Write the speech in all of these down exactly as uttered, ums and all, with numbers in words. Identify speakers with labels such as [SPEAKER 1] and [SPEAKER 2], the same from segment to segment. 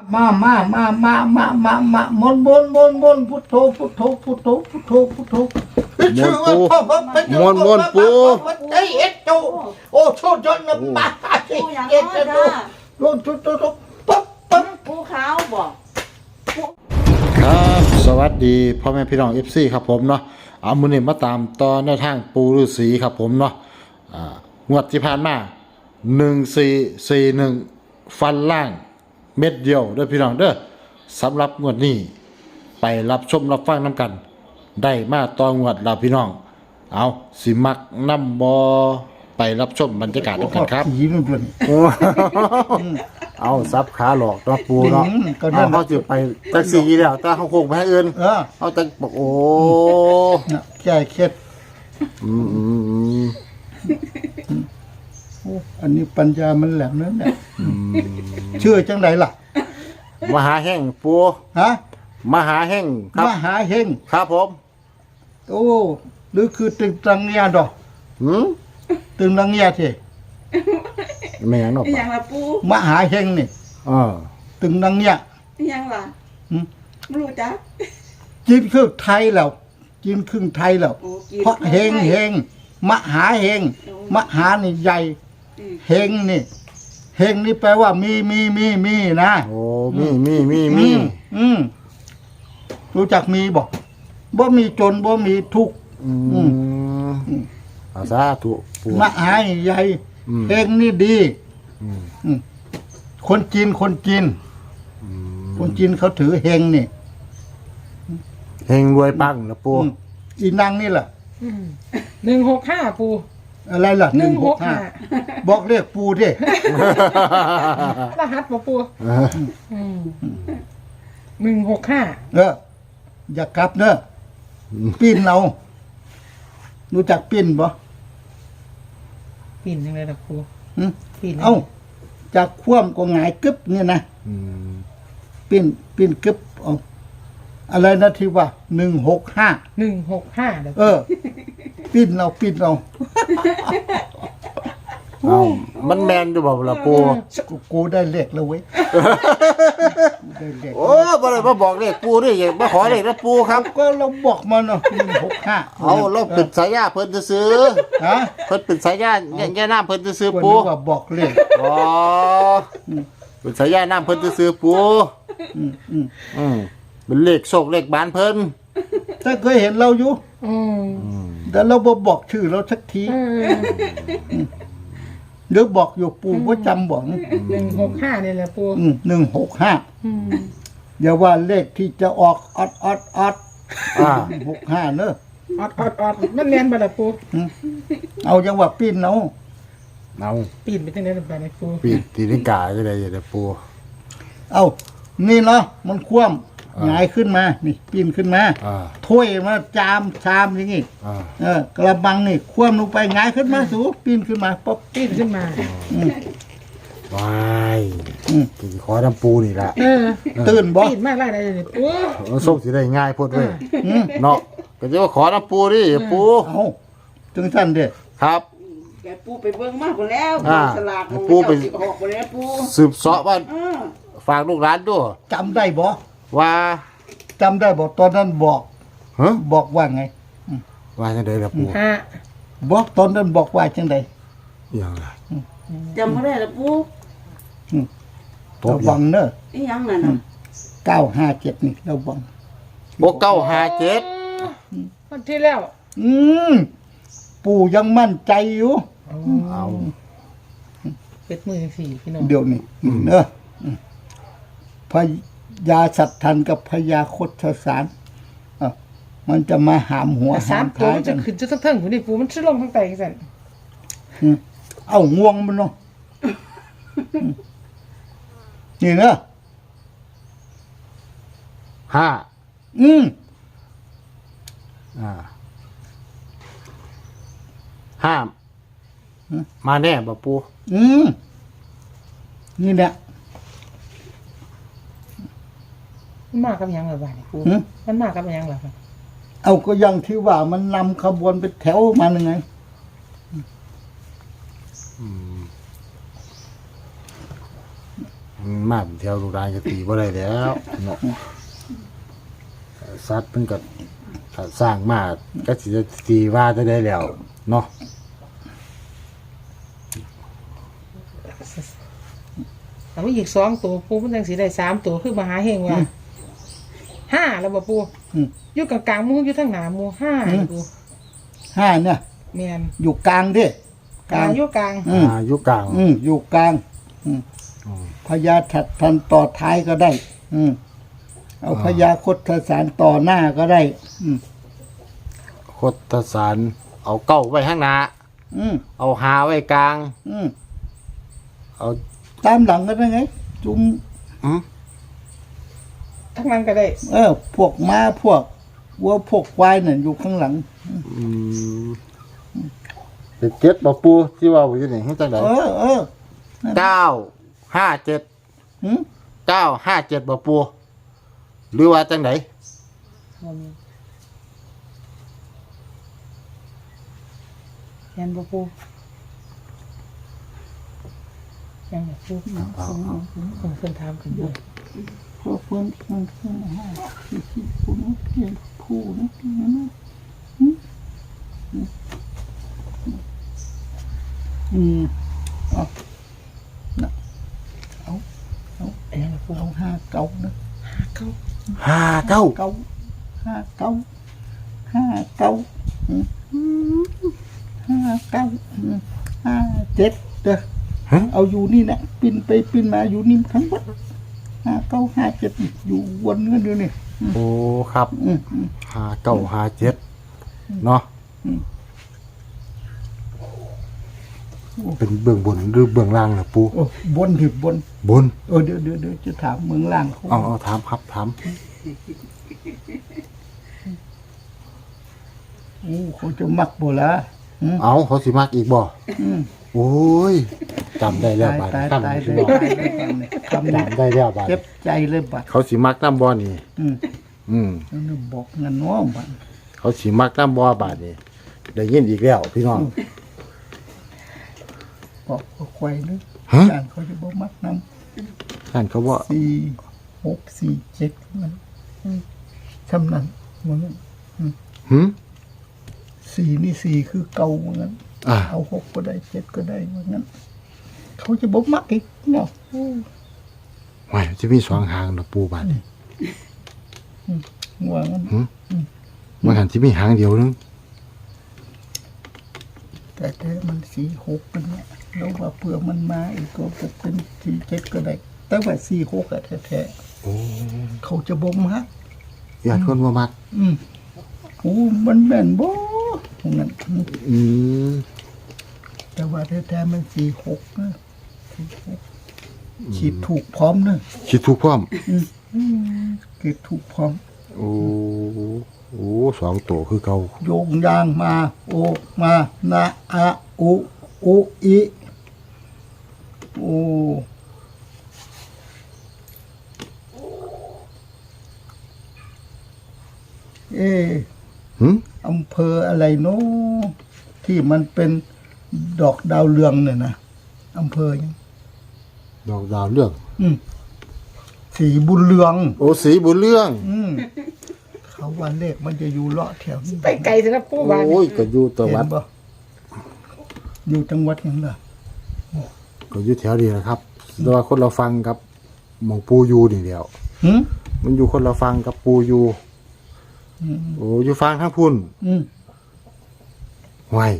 [SPEAKER 1] มามามามามามามา มนมนมนมนพุทโธพุทโธพุทโธพุทโธพุทโธชื่อว่าพ่อพ่อเป็นมนมนปูเอ้เอ็ดโจโอ้โชดจนนะป้าเอ็ดโจโอ้โชดโชดปั๊บปั๊บ
[SPEAKER 2] ปูขาวบอก
[SPEAKER 3] ครับสวัสดีพ่อแม่พี่น้อง เอฟ ซี ครับผมเนาะเอามือนี่มาตามตอนในทางปูฤาษีครับผมเนาะอ่างวดที่ผ่านมาหนึ่งสี่สี่หนึ่งฟันล่างเม็ดเดียวเด้อพี่น้องเด้อสำหรับงวดนี้ไปรับชมรับฟังน้ำกันได้มาตอนงวดเราพี่น้องเอาสิมักน้ำบอไปรับชมบรรยากาศน้ำกันครับเอาซับขาหลอกเนาะปูเนาะเอาเขาจะไปแท็กซี่แล้วแต่เขาคงไปให้อื่นเขาจะบอกโอ้
[SPEAKER 1] แก่เคล็ด
[SPEAKER 3] อืมอืมอืม
[SPEAKER 1] อันนี้ปัญญามันแหลมนั่นแหละเชื่อจังไรล่ะ
[SPEAKER 3] มหาแห่งปู
[SPEAKER 1] ฮะ
[SPEAKER 3] มหาแห่งครับ
[SPEAKER 1] มหาเฮง
[SPEAKER 3] ครับผม
[SPEAKER 1] โอ้หรือคือตึงตังเงียดอก
[SPEAKER 3] หืม
[SPEAKER 1] ตึงตังเงียที
[SPEAKER 3] ไม่ยังหรอก
[SPEAKER 2] ยังละปู
[SPEAKER 1] มหาเฮงนี่
[SPEAKER 3] เออ
[SPEAKER 1] ตึงตังเงีย
[SPEAKER 2] ยังล่ะไม่รู้จัก
[SPEAKER 1] จีนครึ่งไทยแล้วจีนครึ่งไทยแล้วเพราะเฮงเฮงมหาเฮงมหานี่ใหญ่เฮงนี่เฮงนี่แปลว่ามีมีมีมีนะ
[SPEAKER 3] โอ้มีมีมีมี
[SPEAKER 1] อืมรู้จักมีบอกบ่มีจนบ่มีทุกข์
[SPEAKER 3] อืมอาซาถูก
[SPEAKER 1] มหาใหญ่เฮงนี่ดีคนจีนคนจีนคนจีนเขาถือเฮงนี่
[SPEAKER 3] เฮงรวยปังนะปู
[SPEAKER 1] อีนางนี่แหละ
[SPEAKER 4] หนึ่งหกห้าปู
[SPEAKER 1] อะไรล่ะ
[SPEAKER 4] หนึ่งหกห้า
[SPEAKER 1] บอกเรียกปูดิ
[SPEAKER 4] รหัสปูปูหนึ่งหกห้า
[SPEAKER 1] เอออย่ากลับเนอะปิ้นเอารู้จักปิ้นบ่
[SPEAKER 4] ปิ้นยังไงล่ะปู
[SPEAKER 1] ปิ้นเอ้าจากคว่ำก็หงายกึบเนี่ยนะปิ้นปิ้นกึบเอาอะไรนะที่ว่าหนึ่งหกห้า
[SPEAKER 4] หนึ่งหกห้า
[SPEAKER 1] เออปิ้นเอาปิ้นเอา
[SPEAKER 3] เอามันแมนอยู่บ่ล่ะปู
[SPEAKER 1] กูได้เลขแล้วเว้ย
[SPEAKER 3] โอ้บ่ได้มาบอกเลขปูนี่มาขอเลขนะปูครับ
[SPEAKER 1] ก็เราบอกมาเนาะหนึ่งหกห้า
[SPEAKER 3] เอาเราเป็นสายญาเพิ่นซื้อ
[SPEAKER 1] ฮะ
[SPEAKER 3] เพิ่นเป็นสายญาแย่น้ำเพิ่นซื้อปู
[SPEAKER 1] ว่าบอกเลข
[SPEAKER 3] อ๋อเป็นสายญาน้ำเพิ่นซื้อปูอืมอืมอืมเป็นเลขโชคเลขบ้านเพิ่น
[SPEAKER 1] ถ้าเคยเห็นเราอยู่แต่เราบ่บอกชื่อเราสักทีเดี๋ยวบอกอยู่ปูก็จำบอก
[SPEAKER 4] หนึ่งหกห้านี่แหละปู
[SPEAKER 1] หนึ่งหกห้าอย่าว่าเลขที่จะออกออดออดออดหกห้าเนอะ
[SPEAKER 4] ออดออดออดมันเรียนไปละปู
[SPEAKER 1] เอาจังว่าปีนเอา
[SPEAKER 3] เอา
[SPEAKER 4] ปีนไปที่ไหนไปไหนปู
[SPEAKER 3] ปีนตีนิกาอะไรอย่างเงี้ยปู
[SPEAKER 1] เอานี่เนาะมันคว่ำหงายขึ้นมานี่ปีนขึ้นมาถ้วยมาจามชามอย่างงี้เออกระบังนี่คว่ำลงไปหงายขึ้นมาสูปีนขึ้นมาป๊อบ
[SPEAKER 4] ปีนขึ้นมา
[SPEAKER 3] ว้ายขอน้ำปูนี่แหละ
[SPEAKER 1] ตื่นบ่
[SPEAKER 4] ปีนมากไรอะไรนี่ปู
[SPEAKER 3] ส่งสิได้ง่ายพูดเลยเนาะก็จะว่าขอน้ำปูดิปู
[SPEAKER 1] เอาถึงท่านเด็ด
[SPEAKER 3] ครับ
[SPEAKER 2] แกปูไปเบิ่งมากกว่าแล้วสลาก
[SPEAKER 3] ปูไป
[SPEAKER 2] ออกไปแล้วปู
[SPEAKER 3] สืบเสาะว่าฝากลูกหลานด้วย
[SPEAKER 1] จำได้บ่
[SPEAKER 3] ว่า
[SPEAKER 1] จำได้บอกตอนนั้นบอกบอกว่าไง
[SPEAKER 3] ว่าจังไดล่ะปู่
[SPEAKER 1] บอกตอนนั้นบอกว่าจังได
[SPEAKER 3] อย่างไร
[SPEAKER 2] จำไม่ได้ละปู่
[SPEAKER 1] ระวังเนอะ
[SPEAKER 2] อีหยังนั่นน่ะ
[SPEAKER 1] เก้าห้าเจ็ดนี่ระวัง
[SPEAKER 3] บอกเก้าห้าเจ็ด
[SPEAKER 4] วันที่แล้ว
[SPEAKER 1] อืมปู่ยังมั่นใจอยู่
[SPEAKER 3] เอา
[SPEAKER 4] เป็ดมือสี่พี่น้อง
[SPEAKER 1] เดี๋ยวนี้เนอะพยาสัตทันกับพยาคดสารอ่ะมันจะมาหามหัว
[SPEAKER 4] หามท้ายกันขึ้นจะทั้งๆผู้นี่ปูมันชื่อลงทั้งไตกัน
[SPEAKER 1] เอาง่วงมันเนาะนี่เนอะ
[SPEAKER 3] ห้า
[SPEAKER 1] อืม
[SPEAKER 3] อ่าห้ามมาแน่บ่ปู
[SPEAKER 1] อืมนี่แหละ
[SPEAKER 4] มันมากับยังเหรอบ้านปูมันมากับยังเหรอครับ
[SPEAKER 1] เอาก็ยังที่ว่ามันนำขบวนไปแถวมาหนึ่งไง
[SPEAKER 3] มันมาเป็นแถวลูกหลานก็ตีบ่ได้แล้วเนาะสัตว์มันก็ถ้าสร้างมาก็สิจะตีว่าจะได้แล้วเนาะ
[SPEAKER 4] แต่ว่าอีกสองตัวปูมันจังสิได้สามตัวคือมหาเฮงว่าห้าแล้วบ่ปู
[SPEAKER 1] อืม
[SPEAKER 4] อยู่กลางๆหมู่อยู่ทางหน้าหมู่ห้านี่ปู
[SPEAKER 1] ห้าเนี่ย
[SPEAKER 4] แม่น
[SPEAKER 1] อยู่กลางดิ
[SPEAKER 4] กลางอยู่กลาง
[SPEAKER 1] อืม
[SPEAKER 3] อายุกลาง
[SPEAKER 1] อืมอยู่กลาง อืม
[SPEAKER 3] อืม
[SPEAKER 1] พญาถัดทันต่อท้ายก็ได้ อืมเอาพญาคดสารต่อหน้าก็ได้ อืม
[SPEAKER 3] โคตรสารเอาเก้าไว้ข้างหน้า
[SPEAKER 1] อืม
[SPEAKER 3] เอาหาไว้กลาง
[SPEAKER 1] อืม
[SPEAKER 3] เอา
[SPEAKER 1] ตามหลังก็ได้ไง จุม
[SPEAKER 3] อืม
[SPEAKER 4] ทั้งนั้นก็ได้
[SPEAKER 1] เออ พวกม้าพวกวัวพวกควายนั่นอยู่ข้างหลัง
[SPEAKER 3] อืมเป็นเจ็ดบ่ปูที่ว่าอยู่นี่เฮ็ดจังได๋
[SPEAKER 1] เออเออ
[SPEAKER 3] เก้าห้าเจ็ด
[SPEAKER 1] หืม
[SPEAKER 3] เก้าห้าเจ็ดบ่ปูหรือว่าจังได๋
[SPEAKER 4] แม่นบ่ปูยังบ่ปูเพิ่นถามกันอยู่
[SPEAKER 1] พวกเพื่อนเพื่อนเพื่อนห้าสี่สิบผู้นู้นเพียงผู้นู้นเพียงนั้นอืมอืมเอาน่ะเอาเอา
[SPEAKER 4] อันนั้นบ่ปู
[SPEAKER 1] เอาห้าเก้านะ
[SPEAKER 4] เก้า
[SPEAKER 3] ห้าเก้า
[SPEAKER 1] เก้าห้าเก้าห้าเก้าอืมห้าเก้าอืมห้าเจ็ดเด้อ
[SPEAKER 3] ฮะ
[SPEAKER 1] เอาอยู่นี่นะปินไปปินมาอยู่นี่ทั้งหมดห้าเก้าห้าเจ็ดอยู่วนกันอยู่นี่
[SPEAKER 3] โอ้ครับ
[SPEAKER 1] อืมอืม
[SPEAKER 3] ห้าเก้าห้าเจ็ดเนาะ
[SPEAKER 1] อืม
[SPEAKER 3] เป็นเบื้องบนหรือเบื้องล่างล่ะปู
[SPEAKER 1] โอ้บนถึงบน
[SPEAKER 3] บน
[SPEAKER 1] เออเดี๋ยวเดี๋ยวเดี๋ยวจะถามเมืองล่างเขา
[SPEAKER 3] เอาเอาถามครับถาม
[SPEAKER 1] โอ้เขาจะมักโบละอืม
[SPEAKER 3] เอาเขาสิมักอีกบ่
[SPEAKER 1] อืม
[SPEAKER 3] โอ้ยจำได้แล้ว
[SPEAKER 1] ตาย
[SPEAKER 3] บาด
[SPEAKER 1] ตาย
[SPEAKER 3] นี้
[SPEAKER 1] ตาย
[SPEAKER 3] คำ
[SPEAKER 1] เล
[SPEAKER 3] นี้
[SPEAKER 1] ยตายเลยคำนี้
[SPEAKER 3] จำได้แล้วบาด
[SPEAKER 1] เจ็บใจเลยบัด
[SPEAKER 3] เขาสิมักน้ำบ่อนี่
[SPEAKER 1] อืม
[SPEAKER 3] อืม
[SPEAKER 1] แล้วนึกบอกเงินน้องบัด
[SPEAKER 3] เขาสิมักน้ำบ่อบาดนี่ได้ยินอีกแล้วพี่น้อง
[SPEAKER 1] บอกเขาควายนึก
[SPEAKER 3] ฮะ
[SPEAKER 1] จานเขาจะบอกมักน้
[SPEAKER 3] ท่านเขาว่า
[SPEAKER 1] ำสี่หกสี่เจ็ดมันอืมชำนันเหมือนกัน
[SPEAKER 3] หืม
[SPEAKER 1] สี่นี่สี่คือเก่าเหมือนกัน
[SPEAKER 3] อ่า
[SPEAKER 1] เอาหกก็ได้เจ็ดก็ได้เหมือนกันเขาจะบอกมักอีกเนาะ
[SPEAKER 3] ไม่จะมีสองหางนะปูบาดนี่
[SPEAKER 1] ว่างั้น
[SPEAKER 3] มันหันที่มีหางเดียวนึง
[SPEAKER 1] แต่แต่มันสี่หกเป็นเนี่ยแล้วว่าเผื่อมันมาอีกก็จะเป็นสี่เจ็ดก็ได้ แต่ว่าสี่หกอะแท้
[SPEAKER 3] โอ้
[SPEAKER 1] ๆเขาจะบอกมัก
[SPEAKER 3] ญาติคนว่ามัก
[SPEAKER 1] อืมโอ้มันแม่นบ่ตรงนั้น
[SPEAKER 3] อืม
[SPEAKER 1] แต่ว่าแท้ๆมันสี่หกนะสี่หกขีดถูกพร้อมเนอะ
[SPEAKER 3] คิดถูกพร้อม
[SPEAKER 1] ขีดถูกพร้อม
[SPEAKER 3] โอ้โอ้สองตัวคือเก่า
[SPEAKER 1] โยงยางมา โอมานะอะอุอุอิโอ้เอ
[SPEAKER 3] หืม
[SPEAKER 1] อำเภออะไรโน้ที่มันเป็นดอกดาวเรืองเนี่ยนะอำเภอยัง
[SPEAKER 3] ดอกดาวเรื่อง
[SPEAKER 1] อืมสีบุญเรือง
[SPEAKER 3] โอ้สีบุญเรื่อง
[SPEAKER 1] อืมเขาว่าเลขมันจะอยู่เลาะแถวนี้
[SPEAKER 4] ไปไกลซะนะปูบาด
[SPEAKER 3] โอ้ยก็อยู่ตะวัด
[SPEAKER 1] เห็นบ่อยู่จังหวัดยังล่ะ
[SPEAKER 3] ก็อยู่แถวนี้นะครับแต่ว่าคนเราฟังกับหมองปูอยู่นี่เดียว
[SPEAKER 1] หืม
[SPEAKER 3] มันอยู่คนเราฟังกับปูอยู่
[SPEAKER 1] อืม
[SPEAKER 3] โอ้อยู่ฟังทั้งพุ่น
[SPEAKER 1] อืม
[SPEAKER 3] ไว้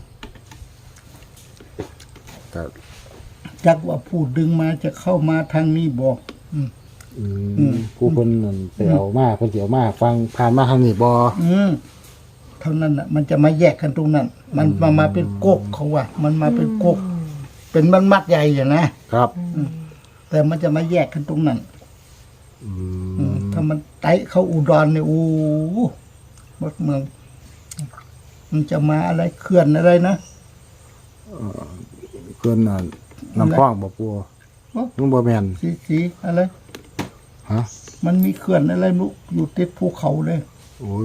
[SPEAKER 3] ก็
[SPEAKER 1] จักว่าผู้ดึงมาจะเข้ามาทางนี้บอก อืม
[SPEAKER 3] อื
[SPEAKER 1] อื
[SPEAKER 3] ม
[SPEAKER 1] ม
[SPEAKER 3] ผู้คนนั่นไปเอามาเพิ่นสิเอามาฟังผ่านมาทางนี้บ่
[SPEAKER 1] อืมเท่านั้นน่ะ มันจะมาแยกกันตรงนั้น มันมามาเป็นกกเขาว่า มันมาเป็นกก เป็นมันมัดใหญ่อย่างนะครับ แต่มันจะมาแยกกันตรงนั้น
[SPEAKER 3] อื
[SPEAKER 1] อืม
[SPEAKER 3] ม
[SPEAKER 1] ถ้ามันไต่เข้าอุดรเนี่ยโอ้โหหมดเมือง มันจะมาอะไรเขื่อนอะไรนะ
[SPEAKER 3] เพิ่นน่ะน้ำคลองบ่ปู
[SPEAKER 1] โอ้
[SPEAKER 3] มันบ่แม่น
[SPEAKER 1] สีสีอะไร
[SPEAKER 3] ฮะ
[SPEAKER 1] มันมีเขื่อนอะไรนุอยู่ติดภูเขาเลย
[SPEAKER 3] โอ้ย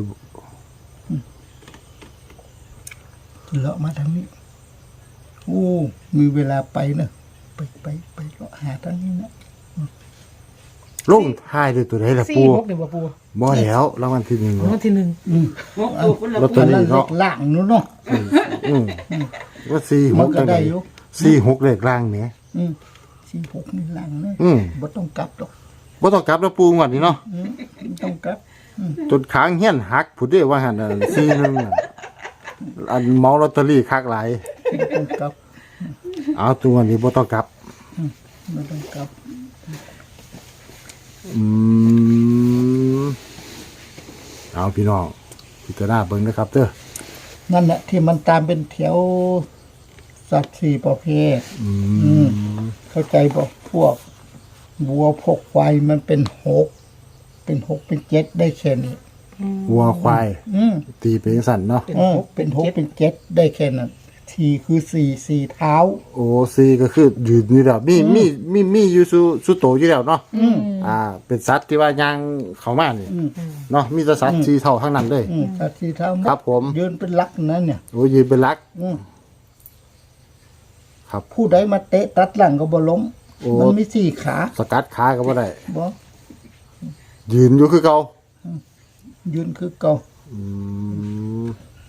[SPEAKER 1] เลาะมาทางนี้ โอ้ มีเวลาไปเนอะไปไปไปเลาะหาทางนี้นะ
[SPEAKER 3] ลงท้ายด้วยตัวใดล่ะ
[SPEAKER 4] สี่
[SPEAKER 3] ปู
[SPEAKER 4] หกนี่บ่ปู
[SPEAKER 3] บ่แล้วรางวัลที่หนึ่ง
[SPEAKER 4] รางวัลที่หนึ่ง
[SPEAKER 2] หกตัวพุ่นละ
[SPEAKER 3] ลอตเต
[SPEAKER 2] ปู
[SPEAKER 3] อรี่
[SPEAKER 1] นั่นเล็กล่างนู้นเนาะ
[SPEAKER 3] อืมว่าสี่ห
[SPEAKER 1] มัน
[SPEAKER 3] ก
[SPEAKER 1] ก็
[SPEAKER 3] จัง
[SPEAKER 1] ได้
[SPEAKER 3] ได๋
[SPEAKER 1] อยู่
[SPEAKER 3] สี่หกเลขล่างแหม
[SPEAKER 1] อืมสี่หกนี่ล่างเนาะ
[SPEAKER 3] อืม
[SPEAKER 1] บ่ต้องกลับหรอก
[SPEAKER 3] บ่ต้องกลับแล้วปูงวดนี้เนาะ
[SPEAKER 1] อืมบ่ต้องกลับ
[SPEAKER 3] จนค้างเฮียนหักผู้เด้ว่าหั่นน่ะสี่หนึ่งน่ะอันเมาลอตเตอรี่คักหลาย
[SPEAKER 1] บ่ต้องกลับ
[SPEAKER 3] เอาตัวนี้บ่ต้องกลับ
[SPEAKER 1] บ่ต้องกลับ
[SPEAKER 3] อืมเอาพี่น้องพิจารณาเบิ่งนะครับเด้อ
[SPEAKER 1] นั่นแหละที่มันตามเป็นแถวสัตว์สี่ประเภท
[SPEAKER 3] อื
[SPEAKER 1] อื
[SPEAKER 3] ม
[SPEAKER 1] ม เข้าใจบอกพวกวัวพวกควายมันเป็นหก เป็นหกเป็นเจ็ดได้แค่นี้
[SPEAKER 3] วัวควาย
[SPEAKER 1] อืม
[SPEAKER 3] ตีเป็นสั่นเนาะ
[SPEAKER 4] เป็น
[SPEAKER 1] เออ
[SPEAKER 4] หก
[SPEAKER 1] เป็นหกเป็นเจ็ดได้แค่นั้นทีคือสี่สี่เท้า
[SPEAKER 3] โอ้ซีก็คือยืนอยู่แล้วมีมีมีมีอยู่สุสุโตอยู่แล้วเนาะ
[SPEAKER 1] อืม
[SPEAKER 3] อ่า เป็นสัตว์ที่ว่าย่างเข้ามานี่
[SPEAKER 1] อืม
[SPEAKER 3] เนาะมีแต่สัตว์สีเท่าทั้งนั้นเลย
[SPEAKER 1] อืมสัตว์สี่เท้าหด
[SPEAKER 3] ครับผม
[SPEAKER 1] ยืนเป็นลักนั่นเนี่ย
[SPEAKER 3] โอ้ยืนเป็นหลัก
[SPEAKER 1] อืม
[SPEAKER 3] ครับ
[SPEAKER 1] ผู้ใดมาเตะตัดหลังก็บ่ล้ม
[SPEAKER 3] โอ้
[SPEAKER 1] มันมีสี่ขา
[SPEAKER 3] สกัดขาก็บ่ได้
[SPEAKER 1] บ่
[SPEAKER 3] ยืนอยู่คือเก่า
[SPEAKER 1] ยืนคือเก่า
[SPEAKER 3] อืม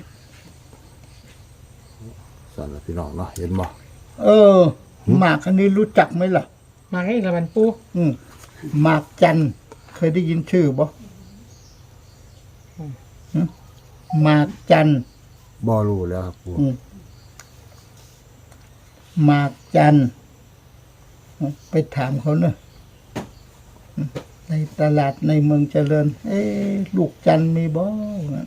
[SPEAKER 3] สั่นล่ะพี่น้องเนาะเห็นบ่
[SPEAKER 1] เออหมากอันนี้รู้จักไหมล่ะ
[SPEAKER 4] มาให้ละมันปู
[SPEAKER 1] อืมหมากจันทร์เคยได้ยินชื่อบ่หึหมากจันทร์
[SPEAKER 3] บ่รู้แล้วครับปู่
[SPEAKER 1] อืมหมากจันทร์ไปถามเขาเนอะอืมในตลาดในเมืองเจริญ เอ๊ะลูกจันทร์มีบ่งั้น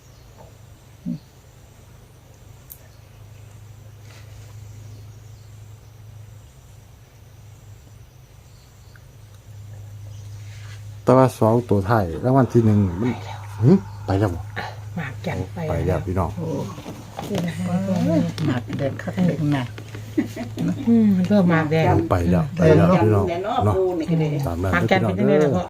[SPEAKER 3] แต่ว่าสองตัวท้ายรางวัลที่หนึ่งมันหึไปแล้วบ่
[SPEAKER 4] หมากจันไป
[SPEAKER 3] ไปแล้วพี่น้อง
[SPEAKER 1] หมากแดงคักเด็กหนัก
[SPEAKER 4] อืมมันเพิ่มหมากแดง
[SPEAKER 3] ไปแล้วไปแล้วพี่น้อง
[SPEAKER 2] เนาะ
[SPEAKER 3] เนาะ
[SPEAKER 2] ปูนี่ก็ได้
[SPEAKER 3] ตามนั้น
[SPEAKER 4] หมาก
[SPEAKER 3] เด้อ
[SPEAKER 4] จัน
[SPEAKER 3] พี่น้
[SPEAKER 4] เป็
[SPEAKER 3] อน ง
[SPEAKER 4] ยังไง
[SPEAKER 3] เด้
[SPEAKER 4] ล่ะ
[SPEAKER 3] อ
[SPEAKER 4] พ่อ